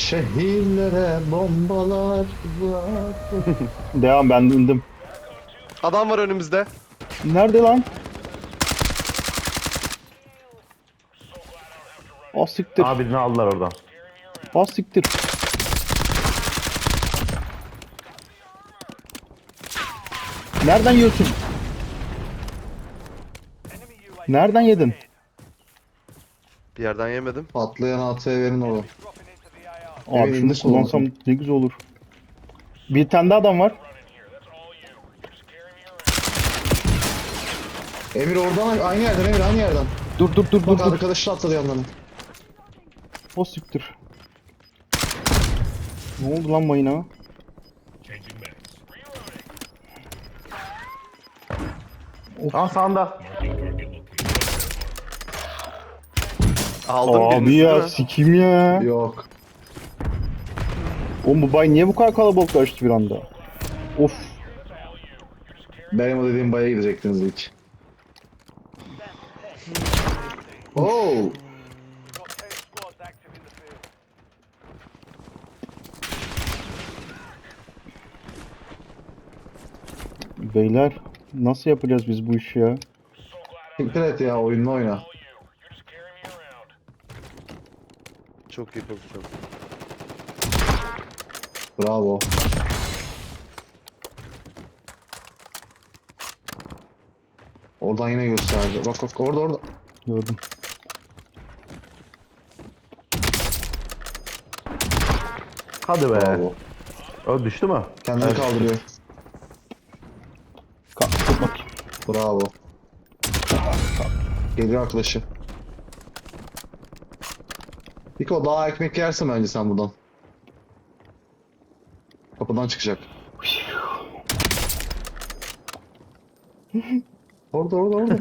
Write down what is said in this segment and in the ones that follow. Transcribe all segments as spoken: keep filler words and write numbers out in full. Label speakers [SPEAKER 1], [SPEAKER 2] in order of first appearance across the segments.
[SPEAKER 1] Şehirlere bombalar var.
[SPEAKER 2] Devam, ben indim.
[SPEAKER 3] Adam var önümüzde.
[SPEAKER 2] Nerede lan? Ah siktir.
[SPEAKER 4] Aa birini aldılar oradan.
[SPEAKER 2] Ah siktir. Nereden yiyorsun? Nereden yedin?
[SPEAKER 3] Bir yerden yemedim.
[SPEAKER 1] Patlayan A T verin oğlum.
[SPEAKER 2] Abi
[SPEAKER 1] Evet,
[SPEAKER 2] şunu
[SPEAKER 1] nasıl
[SPEAKER 2] kullansam
[SPEAKER 1] oldu?
[SPEAKER 2] ne güzel olur. Bir tane daha adam var.
[SPEAKER 1] Emir oradan aynı yerden Emir aynı yerden.
[SPEAKER 2] Dur dur dur dur.
[SPEAKER 1] Bak
[SPEAKER 2] dur.
[SPEAKER 1] arkadaşı atladı yanlarına.
[SPEAKER 2] O siktir. Ne oldu lan mayına?
[SPEAKER 4] Aa sağında.
[SPEAKER 3] Aldım
[SPEAKER 2] Abi
[SPEAKER 3] birini,
[SPEAKER 2] ya
[SPEAKER 3] değil mi?
[SPEAKER 2] sikim ya.
[SPEAKER 1] Yok.
[SPEAKER 2] O Mubay niye bu kadar kalabalıklaştı bir anda? Of.
[SPEAKER 1] Benim o dediğim baya gidecektiniz ilk. Oo.
[SPEAKER 2] Beyler nasıl yapacağız biz bu işi ya?
[SPEAKER 1] Siktir et ya oyununu oyna.
[SPEAKER 3] Çok iyi pozisyon.
[SPEAKER 1] Bravo. Oradan yine gösterdi. Bak bak orada orada.
[SPEAKER 2] Gördüm.
[SPEAKER 4] Hadi be.
[SPEAKER 1] Bravo.
[SPEAKER 4] O düştü mü?
[SPEAKER 1] Kendini
[SPEAKER 4] Evet.
[SPEAKER 1] kaldırıyor.
[SPEAKER 2] Kalk tut bakayım.
[SPEAKER 1] Bravo. Geliyor arkadaşı. Niko daha ekmek yersin bence sen buradan. Kapıdan çıkacak. Orada orada orada.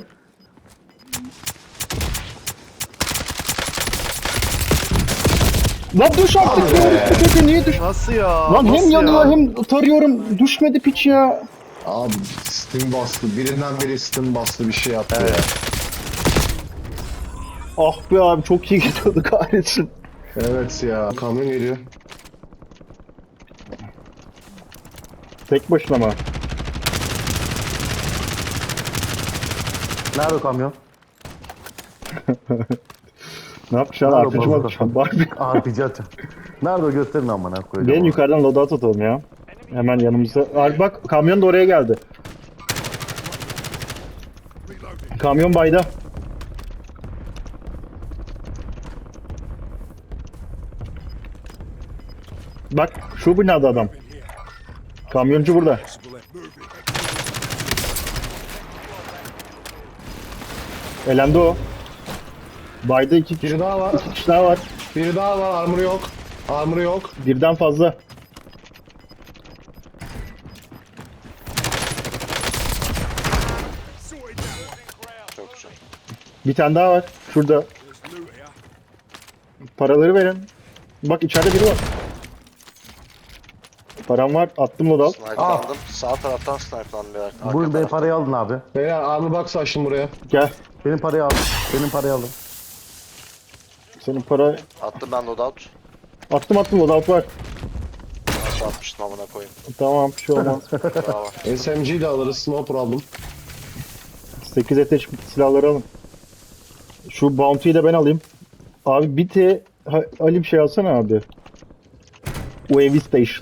[SPEAKER 2] Lan düş artık ya. Kötü niye düş?
[SPEAKER 3] Nasıl ya?
[SPEAKER 2] Lan hem
[SPEAKER 3] Nasıl
[SPEAKER 2] yanıyor
[SPEAKER 3] ya?
[SPEAKER 2] hem tarıyorum. Düşmedi piç ya.
[SPEAKER 1] Abi Steam bastı. Birinden biri Steam bastı bir şey yaptı
[SPEAKER 3] Evet.
[SPEAKER 1] ya.
[SPEAKER 2] Ah be abi çok iyi gidiyordu kahretsin.
[SPEAKER 1] Evet ya. Kamyon geliyor.
[SPEAKER 2] Tek başına mı?
[SPEAKER 4] Nerede o kamyon?
[SPEAKER 2] Ne yapacaksın?
[SPEAKER 4] Nerede
[SPEAKER 2] Arkacıma
[SPEAKER 4] bazuka?
[SPEAKER 2] atacaksın. Barbie.
[SPEAKER 4] Aa ticaret. Nerede o gösterin amına koyacağım.
[SPEAKER 2] Gelin
[SPEAKER 4] onu.
[SPEAKER 2] yukarıdan loadout atalım ya. Hemen yanımızda. Abi bak kamyon da oraya geldi. Kamyon bayda. Bak şu binada adam. Kamyoncu burada. Elendi o. Bayda iki,
[SPEAKER 1] Biri daha var.
[SPEAKER 2] iki kişi daha var.
[SPEAKER 1] Biri daha var. Armor yok. Armor yok.
[SPEAKER 2] Birden fazla.
[SPEAKER 3] Çok güzel.
[SPEAKER 2] Bir tane daha var. Şurada. Paraları verin. Bak içeride biri var. Param var. Attım loadout.
[SPEAKER 3] Snipe'landım. Sağ taraftan snipe'landım bir arka
[SPEAKER 4] Buyurun benim
[SPEAKER 3] taraftan.
[SPEAKER 4] parayı aldın abi.
[SPEAKER 1] Beyler armor box açtım buraya.
[SPEAKER 2] Gel.
[SPEAKER 4] Benim parayı aldın. Benim parayı aldın.
[SPEAKER 2] Senin para...
[SPEAKER 3] Attım ben loadout.
[SPEAKER 2] Attım attım loadout var.
[SPEAKER 3] Nasıl atmıştım amına koyayım.
[SPEAKER 2] Tamam bir şey olmaz.
[SPEAKER 3] Bravo.
[SPEAKER 1] S M G de alırız. No problem.
[SPEAKER 2] sekiz ateş silahları alın. Şu bounty'yi de ben alayım. Abi bir T ha, Ali bir şey alsana abi. U A V station.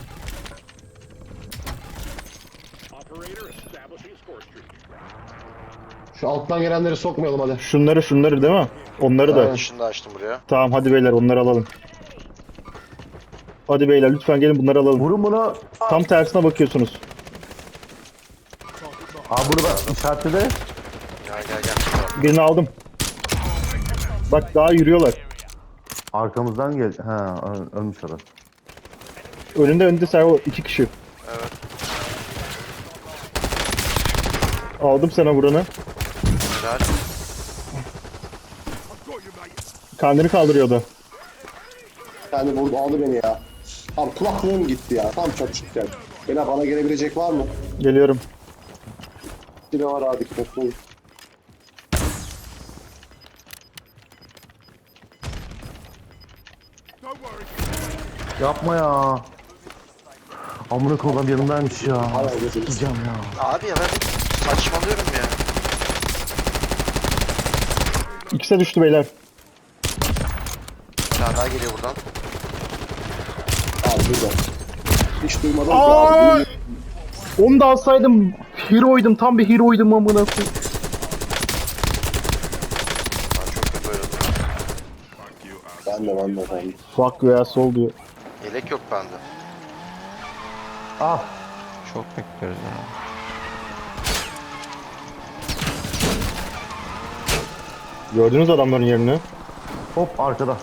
[SPEAKER 1] Şu alttan gelenleri sokmayalım hadi.
[SPEAKER 2] Şunları şunları değil mi? Onları da.
[SPEAKER 1] Aynen.
[SPEAKER 3] Şunu da açtım buraya.
[SPEAKER 2] Tamam hadi beyler onları alalım. Hadi beyler lütfen gelin bunları alalım.
[SPEAKER 4] Vurun bunu.
[SPEAKER 2] Tam tersine bakıyorsunuz.
[SPEAKER 4] Aa bunu ben işaretledi.
[SPEAKER 3] Gel gel gel.
[SPEAKER 2] Birini aldım. Bak daha yürüyorlar.
[SPEAKER 4] Arkamızdan gel. Ha ö- ölmüş orada.
[SPEAKER 2] Önünde önünde servo iki kişi.
[SPEAKER 3] Evet.
[SPEAKER 2] Aldım sana vuranı.
[SPEAKER 3] Güzel.
[SPEAKER 2] Kendini kaldırıyordu.
[SPEAKER 5] Yani vurdu aldı beni ya. Abi kulaklığım gitti ya. Tam çatışırken. Bana bana gelebilecek var mı?
[SPEAKER 2] Geliyorum.
[SPEAKER 5] Silah var abi dikkatli olun.
[SPEAKER 4] Yapma ya. Amına koyayım yanımdaymış ya.
[SPEAKER 5] Hala gözüm.
[SPEAKER 4] Gideceğim ya.
[SPEAKER 3] Abi ya ben saçmalıyorum ya.
[SPEAKER 2] İkisi de düştü beyler.
[SPEAKER 3] Bir tane daha geliyor buradan.
[SPEAKER 5] Abi burada. Hiç duymadım ki
[SPEAKER 2] Aa!
[SPEAKER 5] abi.
[SPEAKER 2] Onu da alsaydım hero'ydum. Tam bir hero'ydum amına koyayım.
[SPEAKER 3] Ben çok kötü oynadım.
[SPEAKER 5] Ben de ben de ben de.
[SPEAKER 2] Fuck you asshole diyor.
[SPEAKER 3] Yelek yok bende.
[SPEAKER 4] Ah.
[SPEAKER 6] Çok bekliyoruz ya.
[SPEAKER 2] Gördünüz adamların yerini.
[SPEAKER 4] Hop arkada.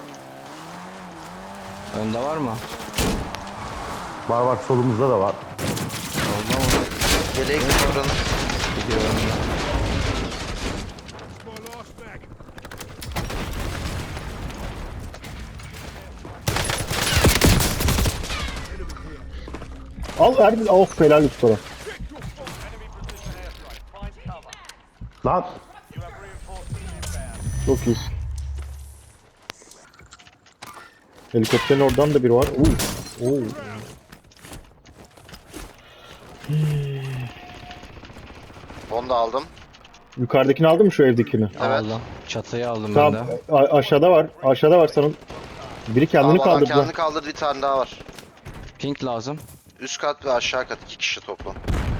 [SPEAKER 6] Önde var mı?
[SPEAKER 4] Var var solumuzda da var.
[SPEAKER 6] Solda mı?
[SPEAKER 3] Yeleğe gidiyor buranın.
[SPEAKER 6] Gidiyorum.
[SPEAKER 2] Al Erbil. Of helal üst sonra.
[SPEAKER 4] Lan.
[SPEAKER 2] Çok iyisin. Helikopterin oradan da biri var. Oo. Oo.
[SPEAKER 3] Onu da aldım.
[SPEAKER 2] Yukarıdakini aldın mı şu evdekini?
[SPEAKER 3] Evet.
[SPEAKER 6] Aldım. Çatıyı aldım ben
[SPEAKER 2] Tamam.
[SPEAKER 6] de.
[SPEAKER 2] a- aşağıda var. Aşağıda var sanırım. Biri kendini
[SPEAKER 3] Aa, bana
[SPEAKER 2] kaldırdı.
[SPEAKER 3] kendini kaldırdı, bir tane daha var.
[SPEAKER 6] Pink lazım.
[SPEAKER 3] Üst kat ve aşağı kat iki kişi toplam.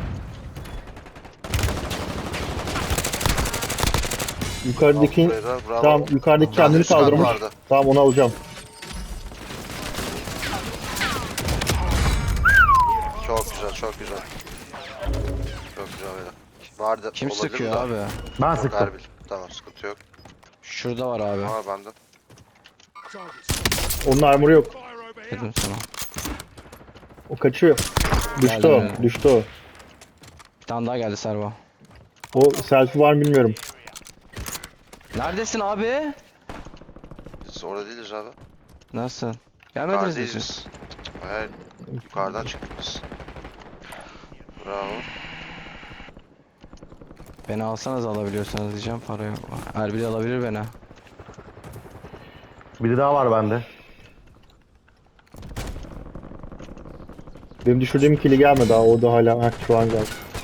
[SPEAKER 2] Yukarıdaki
[SPEAKER 3] Al buraya da, bravo.
[SPEAKER 2] tamam yukarıdaki
[SPEAKER 3] Bir tane
[SPEAKER 2] kendini
[SPEAKER 3] üst kat
[SPEAKER 2] kaldırmış.
[SPEAKER 3] vardı.
[SPEAKER 2] Tamam onu alacağım.
[SPEAKER 3] Çok güzel, çok güzel. Çok güzel böyle. Vardı.
[SPEAKER 6] Kim
[SPEAKER 3] olabilir
[SPEAKER 6] sıkıyor
[SPEAKER 3] de.
[SPEAKER 6] abi?
[SPEAKER 4] Ben
[SPEAKER 3] Yok,
[SPEAKER 4] sıktım.
[SPEAKER 3] Erbil. Tamam, sıkıntı yok.
[SPEAKER 6] Şurada var abi.
[SPEAKER 3] Var bende.
[SPEAKER 2] Onun armoru yok.
[SPEAKER 6] Dedim sana.
[SPEAKER 2] O kaçıyor. Düştü
[SPEAKER 6] Geldi
[SPEAKER 2] o.
[SPEAKER 6] mi?
[SPEAKER 2] Düştü o.
[SPEAKER 6] Bir tane daha geldi Serva.
[SPEAKER 2] O selfie var mı bilmiyorum.
[SPEAKER 6] Neredesin abi?
[SPEAKER 3] Biz orada değiliz abi.
[SPEAKER 6] Nasıl? Gelmediniz mi
[SPEAKER 3] Yukarıdayız
[SPEAKER 6] siz?
[SPEAKER 3] biz. Hayır. Yukarıdan çıktık biz. Bravo.
[SPEAKER 6] Beni alsanız alabiliyorsanız diyeceğim, para yok. Erbil alabilir beni.
[SPEAKER 4] Biri daha var bende.
[SPEAKER 2] Benim düşürdüğüm kili gelmedi daha. O da hala. Heh, şu an geldi.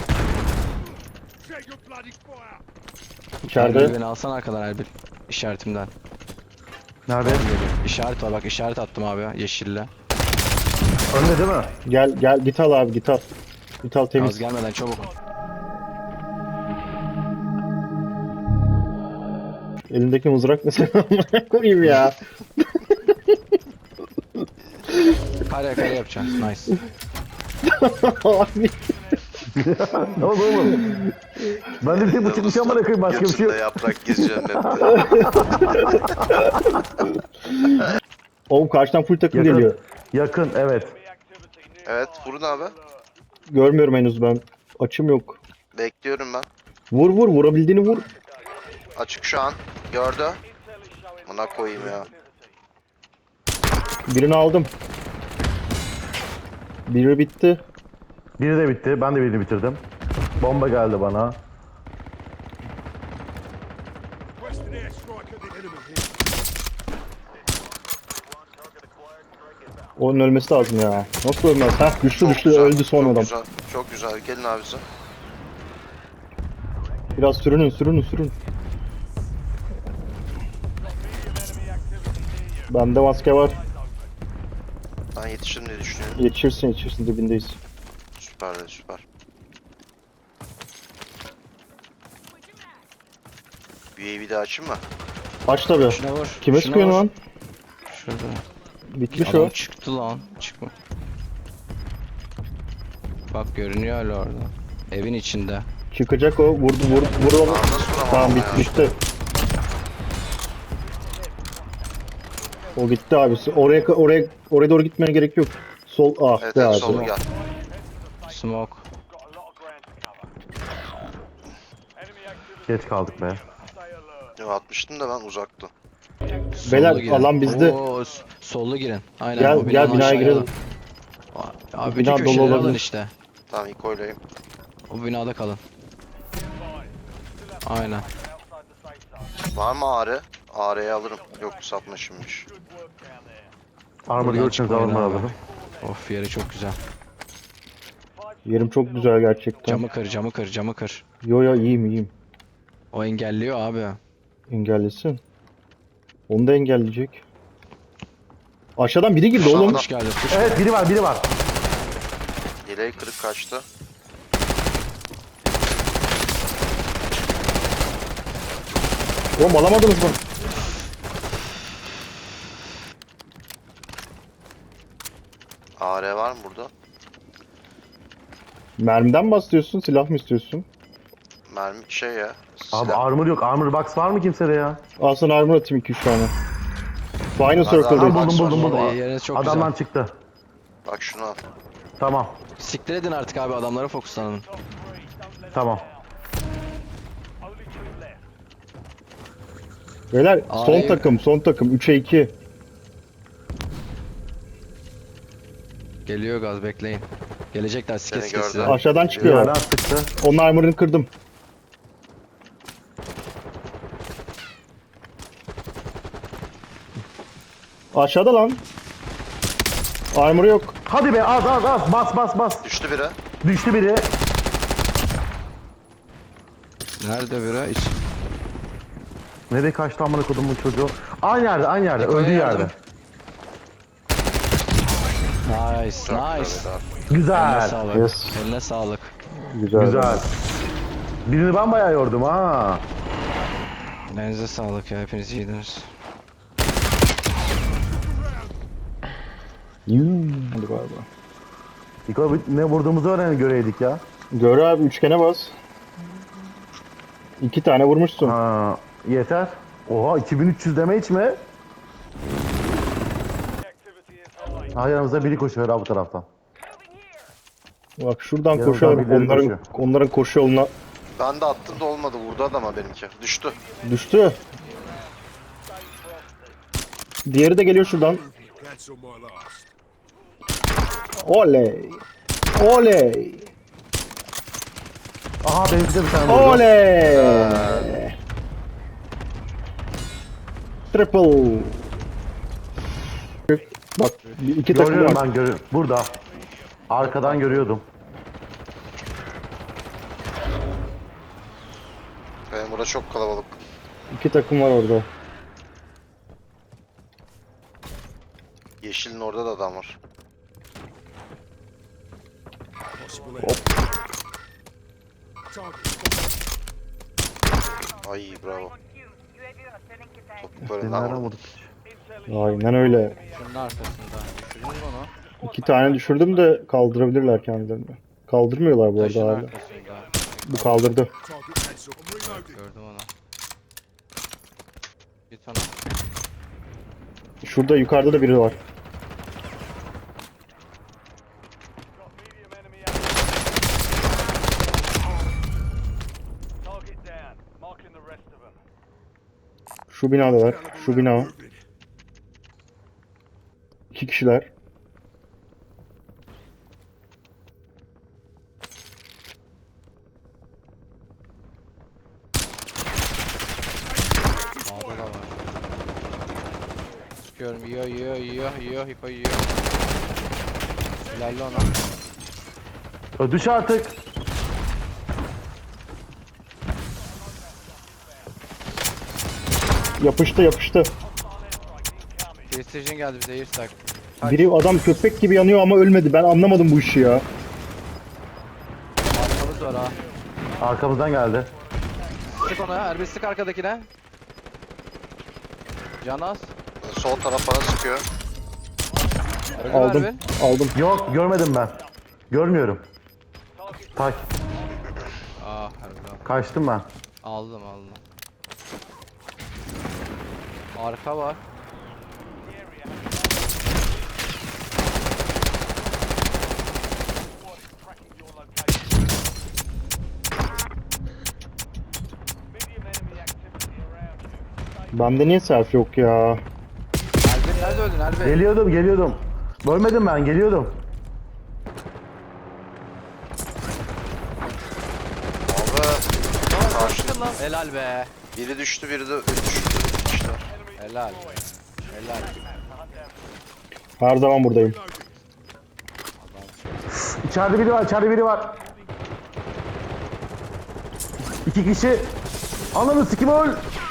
[SPEAKER 6] Erbil
[SPEAKER 2] İçeride.
[SPEAKER 6] beni alsan arkadan Erbil. İşaretimden.
[SPEAKER 4] Nerede?
[SPEAKER 6] İşaret var bak, işaret attım abi yeşille.
[SPEAKER 4] Önde değil mi?
[SPEAKER 2] Gel gel git al abi git al. Git al
[SPEAKER 6] Az
[SPEAKER 2] temiz.
[SPEAKER 6] gelmeden çabuk.
[SPEAKER 2] Elindeki mızrak mesela koyayım ya.
[SPEAKER 6] Kare kare yapacağız. Nice.
[SPEAKER 2] Abi.
[SPEAKER 4] Ne oldu oğlum? Ben de bir tek bu çıkmış ama koyayım başka bir şey yok.
[SPEAKER 3] Götünde yaprak geziyor nette.
[SPEAKER 2] Oğlum karşıdan full takım
[SPEAKER 4] Yakın.
[SPEAKER 2] geliyor.
[SPEAKER 4] Yakın evet.
[SPEAKER 3] Evet, vurun abi.
[SPEAKER 2] Görmüyorum henüz ben. Açım yok.
[SPEAKER 3] Bekliyorum ben.
[SPEAKER 2] Vur vur vurabildiğini vur.
[SPEAKER 3] Açık şu an. Gördü. Buna koyayım ya.
[SPEAKER 2] Birini aldım. Biri bitti.
[SPEAKER 4] Biri de bitti. Ben de birini bitirdim. Bomba geldi bana.
[SPEAKER 2] Onun ölmesi lazım ya. Nasıl ölmez? Heh düştü
[SPEAKER 3] Çok
[SPEAKER 2] düştü
[SPEAKER 3] güzel,
[SPEAKER 2] öldü son
[SPEAKER 3] çok
[SPEAKER 2] adam.
[SPEAKER 3] Güzel, çok güzel. Gelin abisi.
[SPEAKER 2] Biraz sürünün sürünün sürün. Bende maske var.
[SPEAKER 3] Ben yetişirim diye düşünüyorum.
[SPEAKER 2] Yetişirsin yetişirsin dibindeyiz.
[SPEAKER 3] Süper de süper. U A V'de açayım mı?
[SPEAKER 2] Aç tabi.
[SPEAKER 6] Şuna vur.
[SPEAKER 2] Kime
[SPEAKER 6] şuna
[SPEAKER 2] sıkıyorsun
[SPEAKER 6] vur.
[SPEAKER 2] lan?
[SPEAKER 6] Şurada.
[SPEAKER 2] Bitmiş
[SPEAKER 6] Adam
[SPEAKER 2] o.
[SPEAKER 6] çıktı lan. Çıkma. Bak görünüyor hala orada. Evin içinde.
[SPEAKER 2] Çıkacak o. Vurdu vur vur onu.
[SPEAKER 3] Aa, nasıl vuramam
[SPEAKER 2] Tamam
[SPEAKER 3] ya?
[SPEAKER 2] bitti bitti. O gitti abi. Oraya oraya oraya doğru gitmeye gerek yok. Sol ah
[SPEAKER 3] Evet,
[SPEAKER 2] be
[SPEAKER 3] evet
[SPEAKER 2] abi.
[SPEAKER 3] solu gel.
[SPEAKER 6] Smoke.
[SPEAKER 4] Geç kaldık be.
[SPEAKER 3] Yo, atmıştım da ben uzaktım.
[SPEAKER 2] Beyler,
[SPEAKER 6] Sollu girin.
[SPEAKER 2] alan bizde.
[SPEAKER 6] Oo, s- sollu girin. Aynen.
[SPEAKER 2] Gel,
[SPEAKER 6] o
[SPEAKER 2] gel,
[SPEAKER 6] binanın
[SPEAKER 2] binaya
[SPEAKER 6] aşağıya
[SPEAKER 2] girelim.
[SPEAKER 6] alın. Abi
[SPEAKER 2] Bina
[SPEAKER 6] bütün
[SPEAKER 2] dolu
[SPEAKER 6] köşeleri alın
[SPEAKER 2] olabilir.
[SPEAKER 6] işte.
[SPEAKER 3] Tamam, ilk oylayayım.
[SPEAKER 6] O binada kalın. Aynen.
[SPEAKER 3] Var mı ağrı? Ağrı'yı alırım. Yok, sapmışımmış.
[SPEAKER 4] Armor
[SPEAKER 6] Buradan
[SPEAKER 4] görürseniz
[SPEAKER 6] çıkmayın
[SPEAKER 4] armor
[SPEAKER 6] abi.
[SPEAKER 4] alırım.
[SPEAKER 6] Of yeri çok güzel.
[SPEAKER 2] Yerim çok güzel gerçekten.
[SPEAKER 6] Camı kır camı kır camı kır.
[SPEAKER 2] Yo yo iyiyim iyiyim.
[SPEAKER 6] O engelliyor abi.
[SPEAKER 2] Engellesin. Onu da engelleyecek. Aşağıdan biri girdi oğlum.
[SPEAKER 6] Hoş geldin. Hoş
[SPEAKER 4] Evet biri var biri var.
[SPEAKER 3] Yeleği kırık kaçtı.
[SPEAKER 2] Oğlum alamadınız mı?
[SPEAKER 3] A R var mı burada?
[SPEAKER 2] Mermiden mi bahsediyorsun? Silah mı istiyorsun?
[SPEAKER 3] Mermi şey ya.
[SPEAKER 4] Abi
[SPEAKER 3] silah.
[SPEAKER 4] armor yok. Armor box var mı kimsede ya?
[SPEAKER 2] Al sana armor atayım iki üç tane. Final
[SPEAKER 3] Hadi
[SPEAKER 2] Circle'dayız.
[SPEAKER 3] abi.
[SPEAKER 4] Buldum buldum buldum.
[SPEAKER 6] Vallahi yeriniz çok
[SPEAKER 4] Adamdan
[SPEAKER 6] güzel.
[SPEAKER 4] çıktı.
[SPEAKER 3] Bak şunu al.
[SPEAKER 4] Tamam.
[SPEAKER 6] Siktir edin artık abi adamlara fokuslanın.
[SPEAKER 4] Tamam.
[SPEAKER 2] Beyler son
[SPEAKER 6] Ay.
[SPEAKER 2] takım son takım üçe iki.
[SPEAKER 6] Geliyor gaz bekleyin. Gelecekler sike
[SPEAKER 3] Seni
[SPEAKER 6] sike
[SPEAKER 3] gördüm.
[SPEAKER 6] size.
[SPEAKER 2] Aşağıdan
[SPEAKER 4] Bir
[SPEAKER 2] çıkıyor.
[SPEAKER 4] yerden sıktı.
[SPEAKER 2] Onun armor'ını kırdım. Aşağıda lan. Armor yok.
[SPEAKER 4] Hadi be az az az. Bas bas bas.
[SPEAKER 3] Düştü biri.
[SPEAKER 4] Düştü biri.
[SPEAKER 6] Nerede biri? İç.
[SPEAKER 4] Nereye kaçtı amına kodumun çocuğu? Aynı yerde aynı yerde.
[SPEAKER 6] Niko'ya
[SPEAKER 4] Öldüğü
[SPEAKER 6] yardım.
[SPEAKER 4] yerde.
[SPEAKER 6] Nice
[SPEAKER 3] Çok
[SPEAKER 6] nice.
[SPEAKER 3] güzel abi.
[SPEAKER 6] Eline
[SPEAKER 4] Güzel.
[SPEAKER 6] sağlık.
[SPEAKER 2] Yes.
[SPEAKER 6] Eline sağlık.
[SPEAKER 2] Güzel.
[SPEAKER 4] Güzel. Birini ben bayağı yordum ha.
[SPEAKER 6] Elinize sağlık ya hepiniz iyiydiniz.
[SPEAKER 2] Yuh, hadi bay bay.
[SPEAKER 4] Niko ne vurduğumuzu öğren göreydik ya.
[SPEAKER 2] Gör abi üçgene bas. İki tane vurmuşsun.
[SPEAKER 4] Ha, yeter. Oha iki bin üç yüz deme hiç mi? Ha yanımızda biri koşuyor ha bu taraftan.
[SPEAKER 2] Bak şuradan
[SPEAKER 4] Yanımdan
[SPEAKER 2] koşuyor.
[SPEAKER 4] birileri
[SPEAKER 2] Onların
[SPEAKER 4] koşuyor.
[SPEAKER 2] onların koşu yoluna
[SPEAKER 3] Ben de attım da olmadı. Vurdu adama benimki. Düştü.
[SPEAKER 2] düştü. Diğeri de geliyor şuradan. Oley. Oley.
[SPEAKER 4] Aha benimki de bir tane vurdu.
[SPEAKER 2] Oley. Triple. Bak iki takım
[SPEAKER 4] Görüyorum
[SPEAKER 2] var.
[SPEAKER 4] ben görüyorum. Burada. Arkadan görüyordum.
[SPEAKER 3] Benim burada çok kalabalık.
[SPEAKER 2] İki takım var orada.
[SPEAKER 3] Yeşilin orada da adam var. Ay bravo. Top böyle
[SPEAKER 4] Seni
[SPEAKER 3] lan.
[SPEAKER 4] nereden vurduk?
[SPEAKER 2] Aynen öyle.
[SPEAKER 6] Şunun arkasında. Düşürdünüz mü onu?
[SPEAKER 2] İki tane düşürdüm de kaldırabilirler kendilerini. Kaldırmıyorlar bu arada
[SPEAKER 6] Taşın
[SPEAKER 2] hala.
[SPEAKER 6] arkasında.
[SPEAKER 2] Bu kaldırdı.
[SPEAKER 6] Gördüm onu. Git ona.
[SPEAKER 2] Şurada yukarıda da biri var. Şu binadalar. Şu bina. İki kişiler.
[SPEAKER 6] Sağda da var. Sıkıyorum. Yiyor yiyor yiyor yiyor. Hiko yiyor. Helalli ona.
[SPEAKER 4] Ö, Düş artık.
[SPEAKER 2] Yapıştı yapıştı.
[SPEAKER 6] Precision geldi bize yırtak.
[SPEAKER 2] Biri adam köpek gibi yanıyor ama ölmedi. Ben anlamadım bu işi ya.
[SPEAKER 6] Arkamız var ha.
[SPEAKER 4] Arkamızdan geldi.
[SPEAKER 6] Sık ona. Erbil sık arkadakine. Canas.
[SPEAKER 3] Sol taraf bana sıkıyor.
[SPEAKER 6] Öldü mü
[SPEAKER 2] Aldım.
[SPEAKER 6] Erbil?
[SPEAKER 2] Aldım.
[SPEAKER 4] Yok görmedim ben. Görmüyorum. Tak.
[SPEAKER 6] Ah Erbil.
[SPEAKER 4] Kaçtım ben.
[SPEAKER 6] Aldım aldım. Arka var.
[SPEAKER 2] Bende niye self yok ya?
[SPEAKER 6] Erbil nerede öldün Erbil?
[SPEAKER 4] Geliyordum geliyordum. Görmedim ben geliyordum.
[SPEAKER 3] Abi. Karşı.
[SPEAKER 6] Lan. Helal be.
[SPEAKER 3] Biri düştü biri de düştü. İşte.
[SPEAKER 6] Helal. Helal.
[SPEAKER 2] Her zaman buradayım.
[SPEAKER 4] İçeride biri var, içeride biri var. İki kişi. Ananı sikim öl.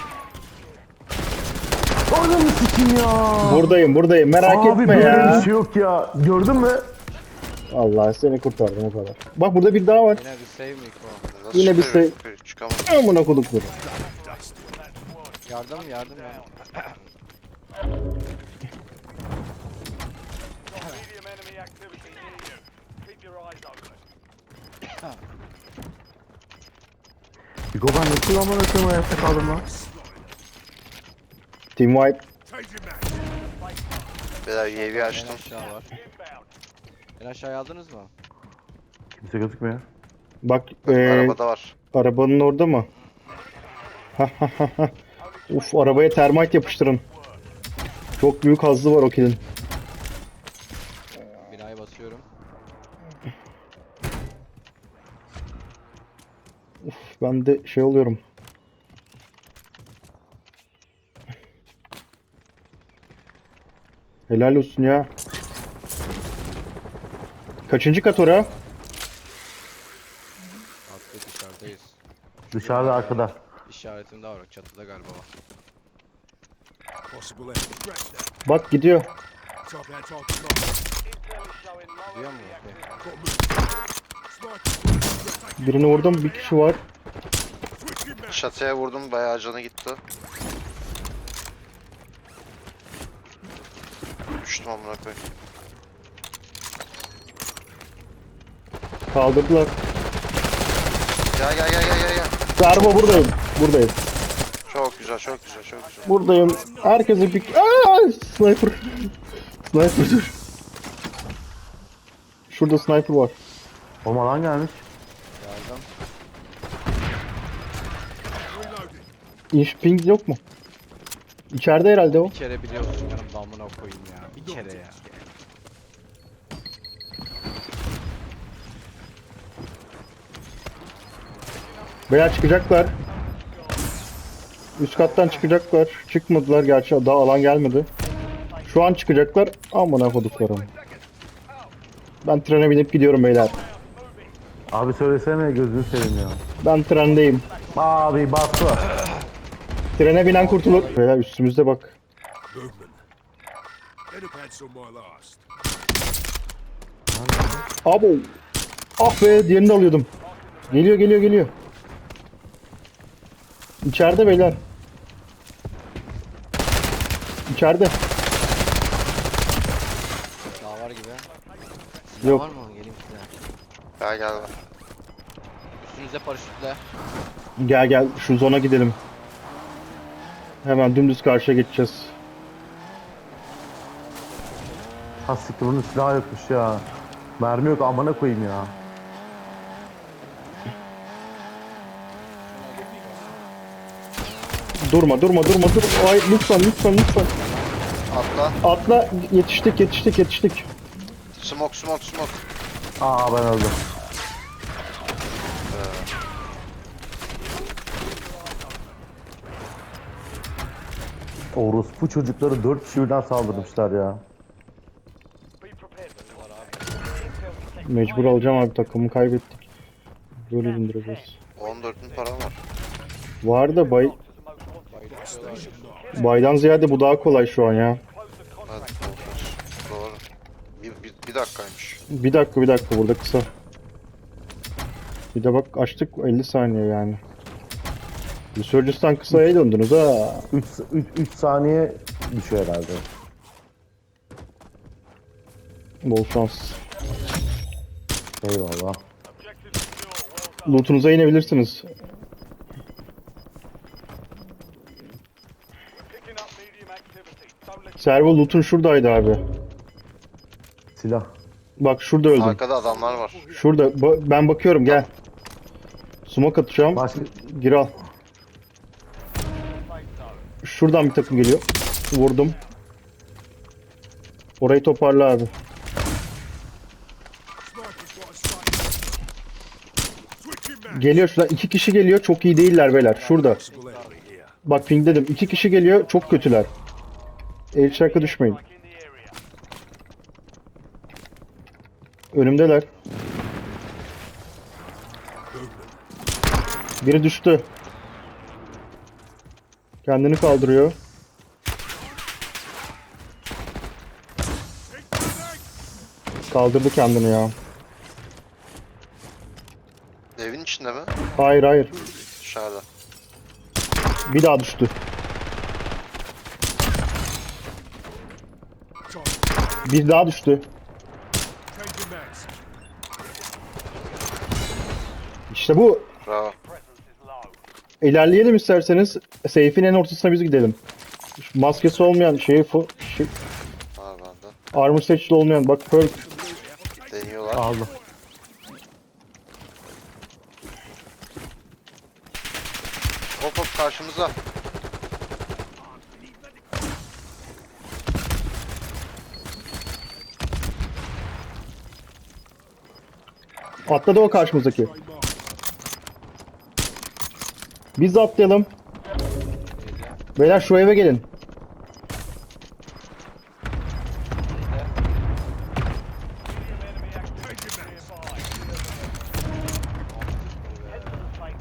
[SPEAKER 4] Ananı sikim ya.
[SPEAKER 2] Buradayım buradayım merak
[SPEAKER 4] Abi
[SPEAKER 2] etme
[SPEAKER 4] böyle
[SPEAKER 2] ya.
[SPEAKER 4] bir şey yok ya. Gördün mü?
[SPEAKER 2] Allah seni kurtardım o kadar. Bak burada bir daha var.
[SPEAKER 6] Yine bir save Miko.
[SPEAKER 3] Nasıl
[SPEAKER 2] Yine bir
[SPEAKER 3] çıkıyor?
[SPEAKER 2] şey-
[SPEAKER 3] Çıkamadım.
[SPEAKER 2] Amına kodukları.
[SPEAKER 6] Yardım yardım ya.
[SPEAKER 7] Medium enemy activity near you. Keep your eyes open.
[SPEAKER 4] Bigo ben nasıl amına koyayım hayatta kaldım lan.
[SPEAKER 2] Team wipe.
[SPEAKER 3] Beyler U A V
[SPEAKER 6] En
[SPEAKER 3] açtım.
[SPEAKER 6] aşağı var. En aşağıya aldınız mı?
[SPEAKER 4] Kimse gözükmüyor.
[SPEAKER 2] Bak ee,
[SPEAKER 3] Arabada var.
[SPEAKER 2] arabanın orada mı? Uf arabaya termite yapıştırın. Çok büyük hazzı var o kilin.
[SPEAKER 6] Binayı basıyorum.
[SPEAKER 2] Ben de şey oluyorum. Helal olsun ya. Kaçıncı kat ora?
[SPEAKER 6] Atlı dışarıdayız.
[SPEAKER 4] Dışarıda arkada.
[SPEAKER 6] İşaretimde var çatıda galiba o.
[SPEAKER 7] Possible enemy threat there.
[SPEAKER 2] Bak gidiyor.
[SPEAKER 7] Top that target mark. Intel is showing low
[SPEAKER 6] Duyuyor musun?
[SPEAKER 7] enemy
[SPEAKER 6] Okey.
[SPEAKER 7] activity. Sniper.
[SPEAKER 2] Birini vurdum, bir kişi var.
[SPEAKER 7] Switching back.
[SPEAKER 3] Çatıya vurdum bayağı canı gitti. Düştüm amına koyayım.
[SPEAKER 2] Kaldırdılar.
[SPEAKER 3] Gel gel gel gel gel gel.
[SPEAKER 2] Darbo buradayım. Buradayım.
[SPEAKER 3] Çok güzel çok güzel çok güzel.
[SPEAKER 2] Buradayım. Herkese bir... Aa, sniper. Sniper dur. Şurada sniper var.
[SPEAKER 4] Oğlum alan gelmiş.
[SPEAKER 6] Yardım.
[SPEAKER 7] Reloading.
[SPEAKER 2] İnş ping yok mu? İçeride herhalde o.
[SPEAKER 6] Bir kere biliyorsun canım damına koyayım ya. Bir kere ya.
[SPEAKER 2] Beyler çıkacaklar. Üst kattan çıkacaklar. Çıkmadılar gerçi daha alan gelmedi. Şu an çıkacaklar. Amına koduklarım. Ben trene binip gidiyorum beyler.
[SPEAKER 4] Abi söylesene gözünü seveyim ya.
[SPEAKER 2] Ben trendeyim.
[SPEAKER 4] Abi bastı.
[SPEAKER 2] Trene binen kurtulur. Beyler üstümüzde bak.
[SPEAKER 7] Movement. Head on my last.
[SPEAKER 2] Abo. Ah be diğerini de alıyordum. Geliyor geliyor geliyor. İçeride beyler. İçeride.
[SPEAKER 6] Daha var gibi.
[SPEAKER 2] Yok.
[SPEAKER 6] Var mı? Geleyim size.
[SPEAKER 3] Gel gel.
[SPEAKER 6] Üstünüze paraşütle.
[SPEAKER 2] Gel gel şu zona gidelim. Hemen dümdüz karşıya geçeceğiz.
[SPEAKER 4] Ha siktir bunun silahı yokmuş ya. Mermi yok amına koyayım ya.
[SPEAKER 2] Durma durma durma dur. Ay lütfen lütfen lütfen.
[SPEAKER 3] Atla.
[SPEAKER 2] Atla yetiştik yetiştik yetiştik.
[SPEAKER 3] Smoke smoke smoke.
[SPEAKER 4] Aa ben öldüm. Orospu çocukları dört kişi birden saldırmışlar ya.
[SPEAKER 7] Be prepared for the
[SPEAKER 2] Mecbur alacağım abi takımı kaybettik. Böyle indireceğiz.
[SPEAKER 3] on dört bin param var.
[SPEAKER 2] Var da bay baydan ziyade bu daha kolay şu an ya.
[SPEAKER 3] Hadi doğru. Doğru. Bir, bir, bir dakikaymış.
[SPEAKER 2] Bir dakika bir dakika burada kısa. Bir de bak açtık elli saniye yani. Resurgence'dan kısaya döndünüz ha.
[SPEAKER 4] üç saniye düşüyor herhalde.
[SPEAKER 2] Bol şans.
[SPEAKER 4] Eyvallah.
[SPEAKER 7] objective secure. Well done.
[SPEAKER 2] Loot'unuza inebilirsiniz.
[SPEAKER 7] Picking up medium activity. Don't let
[SPEAKER 2] Servo loot'un şuradaydı abi.
[SPEAKER 4] Silah.
[SPEAKER 2] Bak şurada öldüm.
[SPEAKER 3] Arkada adamlar var.
[SPEAKER 2] Şurada ba- ben bakıyorum gel. Smoke atacağım.
[SPEAKER 4] Başka...
[SPEAKER 2] Gir al. Şuradan bir takım geliyor. Vurdum. Orayı toparla abi.
[SPEAKER 7] sniper's got a sight. Switching back.
[SPEAKER 2] Geliyor şuradan. iki kişi geliyor. Çok iyi değiller beyler. Şurada.
[SPEAKER 7] Possible enemy here.
[SPEAKER 2] Bak ping dedim. iki kişi geliyor. Çok kötüler. El şarkı düşmeyin.
[SPEAKER 7] Like in the area.
[SPEAKER 2] Önümdeler. Biri düştü. Kendini kaldırıyor. Kaldırdı kendini ya.
[SPEAKER 3] Evin içinde mi?
[SPEAKER 2] Hayır hayır.
[SPEAKER 3] Dışarıda.
[SPEAKER 2] Bir daha düştü. Bir daha düştü. İşte bu.
[SPEAKER 3] Bravo.
[SPEAKER 7] Presence is low.
[SPEAKER 2] İlerleyelim isterseniz. Seyfin en ortasına biz gidelim. Şu maskesi olmayan şeyi fu- şey,
[SPEAKER 3] Var bende.
[SPEAKER 2] armor seçili olmayan bak perk.
[SPEAKER 3] Deniyorlar.
[SPEAKER 4] Aldım.
[SPEAKER 3] Hop hop karşımıza.
[SPEAKER 2] Atladı o karşımızdaki. Biz de atlayalım. Beyler şu eve gelin.
[SPEAKER 7] Medium enemy activity nearby. Head to the safe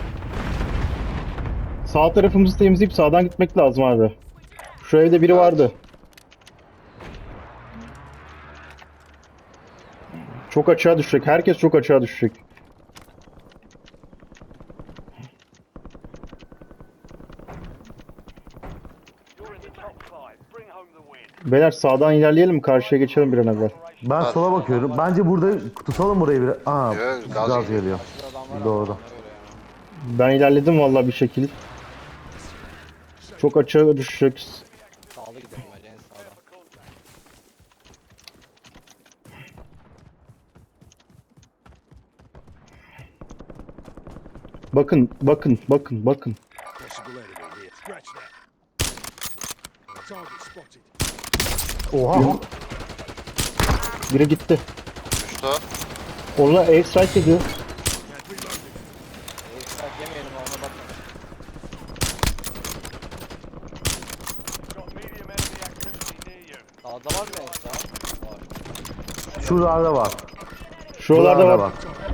[SPEAKER 7] zone.
[SPEAKER 2] Sağ tarafımızı temizleyip sağdan gitmek lazım abi. Şu evde biri vardı. Çok açığa düşecek. Herkes çok açığa düşecek.
[SPEAKER 7] You're in the top five. Bring home the win.
[SPEAKER 2] Beyler sağdan ilerleyelim, karşıya geçelim bir an evvel.
[SPEAKER 4] Ben sola bakıyorum. Bence burada tutalım burayı bir. Aa,
[SPEAKER 3] Yok, gaz
[SPEAKER 4] gaz
[SPEAKER 3] geliyor.
[SPEAKER 4] geliyor. Doğru.
[SPEAKER 2] Ben ilerledim vallahi bir şekil. Çok açığa düşecek.
[SPEAKER 6] Sağlı gidelim bence en sağda.
[SPEAKER 2] Bakın, bakın, bakın, bakın.
[SPEAKER 8] Possible enemy here. Scratch that. Target spotted.
[SPEAKER 4] Oha.
[SPEAKER 2] Biri gitti.
[SPEAKER 3] Düştü.
[SPEAKER 2] Ona air strike yedi.
[SPEAKER 8] Had reloaded.
[SPEAKER 6] Ekstra yemeyelim ona bakma.
[SPEAKER 7] You've got medium enemy activity near you.
[SPEAKER 6] Sağda var mı ekstra? Var.
[SPEAKER 4] Şuralarda var.
[SPEAKER 2] Şuralarda var.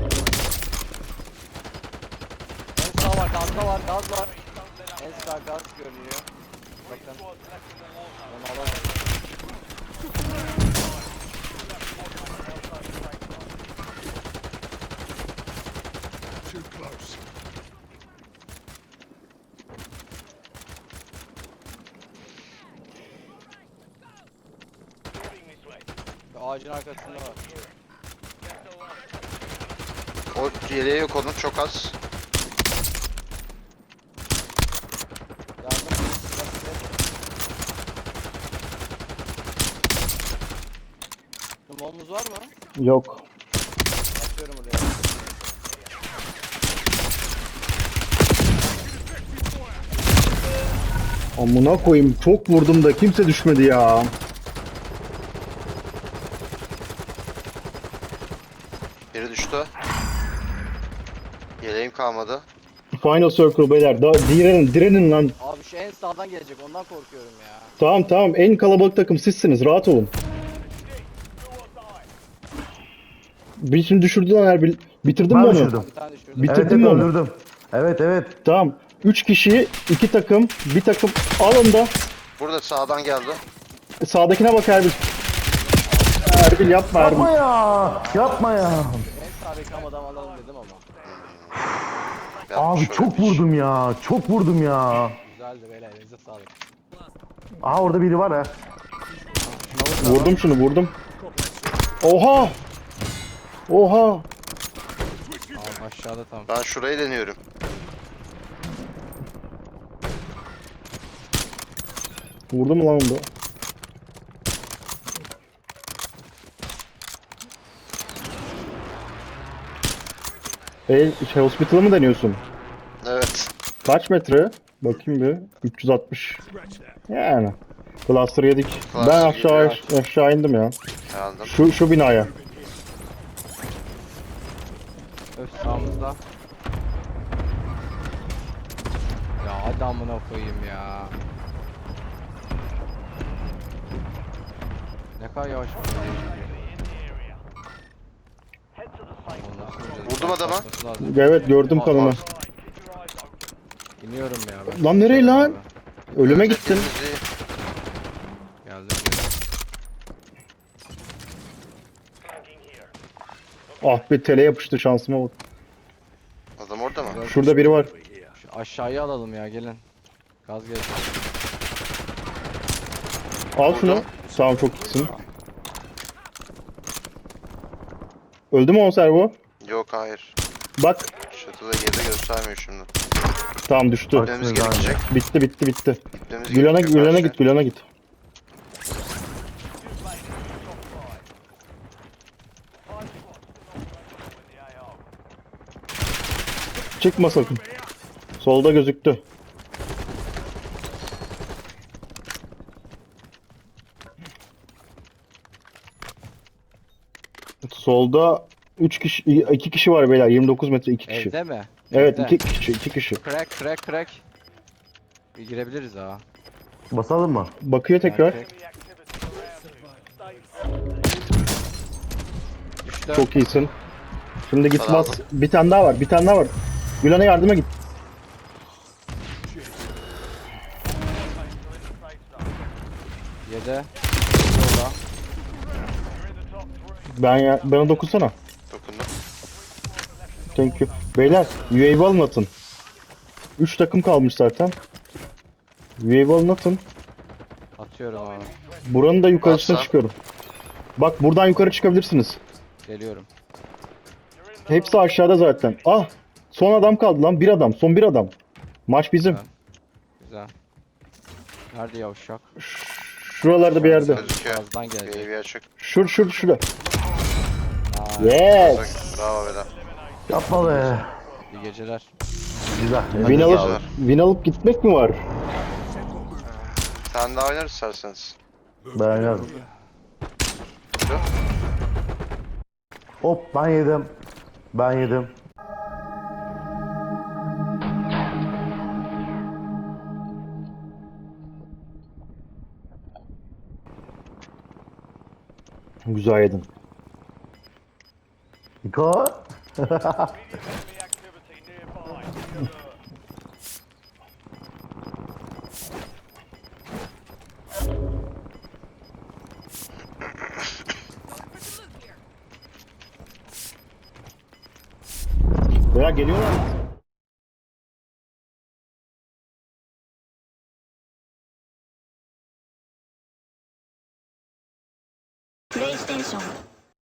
[SPEAKER 6] En sağ var, gazda var, gaz var. En sağ gaz görünüyor. Bakın.
[SPEAKER 7] Squads left in the water.
[SPEAKER 6] Onu alalım.
[SPEAKER 8] Too close.
[SPEAKER 7] Moving this way.
[SPEAKER 6] Ağacın arkasında var.
[SPEAKER 3] O yeleği yok onun çok az.
[SPEAKER 6] Yardım. Numarumuz var mı?
[SPEAKER 2] Yok.
[SPEAKER 6] Atıyorum oraya.
[SPEAKER 2] Amına koyayım, çok vurdum da kimse düşmedi ya.
[SPEAKER 3] Biri düştü. Yeleğim kalmadı.
[SPEAKER 2] Final circle beyler. Da direnin, direnin lan.
[SPEAKER 6] Abi şu en sağdan gelecek ondan korkuyorum ya.
[SPEAKER 2] Tamam tamam, en kalabalık takım sizsiniz, rahat olun. Bir şimdi düşürdü lan Erbil. Bitirdin mi
[SPEAKER 4] Ben
[SPEAKER 2] onu?
[SPEAKER 4] düşürdüm.
[SPEAKER 6] Bir tane düşürdüm.
[SPEAKER 2] Bitirdin
[SPEAKER 4] Evet, evet
[SPEAKER 2] mi onu?
[SPEAKER 4] öldürdüm. Evet evet.
[SPEAKER 2] Tamam. Üç kişi, iki takım, bir takım alın da
[SPEAKER 3] Burada sağdan geldi.
[SPEAKER 2] sağdakine bak Erbil. Erbil yapma Erbil.
[SPEAKER 4] Yapma ya. Yapma ya.
[SPEAKER 6] En sağ reklam adam alalım dedim ama.
[SPEAKER 3] Ya
[SPEAKER 4] Abi
[SPEAKER 3] şöyle
[SPEAKER 4] çok
[SPEAKER 3] bir-
[SPEAKER 4] vurdum ya. Çok vurdum ya.
[SPEAKER 6] Güzeldi beyler elinize sağlık.
[SPEAKER 4] Aa orada biri var ha.
[SPEAKER 2] Vurdum şunu, vurdum. Oha! Oha!
[SPEAKER 6] Abi aşağıda tam.
[SPEAKER 3] Ben şurayı deniyorum.
[SPEAKER 2] Vurdum lan onu da. E, şey, hospital'ı mı deniyorsun?
[SPEAKER 3] Evet.
[SPEAKER 2] Kaç metre? Bakayım bir. üç yüz altmış.
[SPEAKER 8] Scratch that.
[SPEAKER 2] Yani. Cluster yedik.
[SPEAKER 3] Cluster
[SPEAKER 2] Ben aşağı
[SPEAKER 3] gidiyor.
[SPEAKER 2] aşağı indim ya.
[SPEAKER 3] Geldim.
[SPEAKER 2] Şu şu binaya.
[SPEAKER 6] Öf sağımızda. Ya hadi amına koyayım ya. Ne kadar yavaş.
[SPEAKER 7] In the area.
[SPEAKER 3] Vurdum adama.
[SPEAKER 2] Evet gördüm kanını.
[SPEAKER 6] İniyorum ya ben.
[SPEAKER 2] Lan nereye lan?
[SPEAKER 6] Abi.
[SPEAKER 2] Ölüme gittin.
[SPEAKER 3] Temizliği-
[SPEAKER 6] Geldim geldim.
[SPEAKER 2] Ah be tele yapıştı şansıma bak.
[SPEAKER 3] Adam orada mı?
[SPEAKER 2] Şurada biri var.
[SPEAKER 6] Şu aşağıya alalım ya gelin. Gaz geldi.
[SPEAKER 2] Al şunu. Tamam çok iyisin. Öldü mü o servo?
[SPEAKER 3] Yok hayır.
[SPEAKER 2] Bak.
[SPEAKER 3] Şatıda yerde göstermiyor şimdi.
[SPEAKER 2] Tamam düştü.
[SPEAKER 3] Gitmemiz gerekecek.
[SPEAKER 2] Bitti bitti bitti.
[SPEAKER 3] Gitmemiz
[SPEAKER 2] Gülen'e
[SPEAKER 3] gerekiyor
[SPEAKER 2] Gülen'e
[SPEAKER 3] karşıya.
[SPEAKER 2] git Gülen'e git. Çıkma sakın. Solda gözüktü. Solda üç kişi iki kişi var beyler. yirmi dokuz metre iki kişi.
[SPEAKER 6] Evde mi?
[SPEAKER 2] Evet
[SPEAKER 6] Evde.
[SPEAKER 2] iki kişi iki kişi.
[SPEAKER 6] Crack crack crack. Bir girebiliriz ha.
[SPEAKER 4] Basalım mı?
[SPEAKER 2] Bakıyor tekrar.
[SPEAKER 6] Crack. Düştü.
[SPEAKER 2] Çok iyisin. Şimdi git
[SPEAKER 3] Tamam.
[SPEAKER 2] bas. Bir tane daha var. Bir tane daha var. Gülen'e yardıma git.
[SPEAKER 6] Yedi. Solda.
[SPEAKER 2] Ben ya bana dokunsana.
[SPEAKER 3] Dokundum.
[SPEAKER 2] Thank you. Beyler U A V alın atın. üç takım kalmış zaten. U A V alın atın.
[SPEAKER 6] Atıyorum abi.
[SPEAKER 2] Buranın da yukarısına
[SPEAKER 3] Atsa.
[SPEAKER 2] çıkıyorum. Bak buradan yukarı çıkabilirsiniz.
[SPEAKER 6] Geliyorum.
[SPEAKER 2] Hepsi aşağıda zaten. Ah! Son adam kaldı lan. Bir adam. Son bir adam. Maç bizim.
[SPEAKER 6] Güzel. Güzel. Nerede yavşak?
[SPEAKER 2] Şuralarda bir yerde.
[SPEAKER 3] Gözüküyor.
[SPEAKER 6] Gazdan gelecek.
[SPEAKER 3] Baby açık.
[SPEAKER 2] Şur şur şurada.
[SPEAKER 6] Aa,
[SPEAKER 2] Yes.
[SPEAKER 3] Bravo beyler.
[SPEAKER 4] Yapma be.
[SPEAKER 6] iyi geceler.
[SPEAKER 4] Güzel.
[SPEAKER 2] Win
[SPEAKER 3] Hadi
[SPEAKER 2] alıp,
[SPEAKER 3] güzel.
[SPEAKER 2] win alıp gitmek mi var?
[SPEAKER 3] Sen daha oynarız isterseniz.
[SPEAKER 4] Ben oynarım. Hop ben yedim. Ben yedim.
[SPEAKER 2] Güzel yedin.
[SPEAKER 4] Niko.
[SPEAKER 7] Enemy activity nearby. Be alert.
[SPEAKER 2] Veya geliyorlar mı?
[SPEAKER 9] PlayStation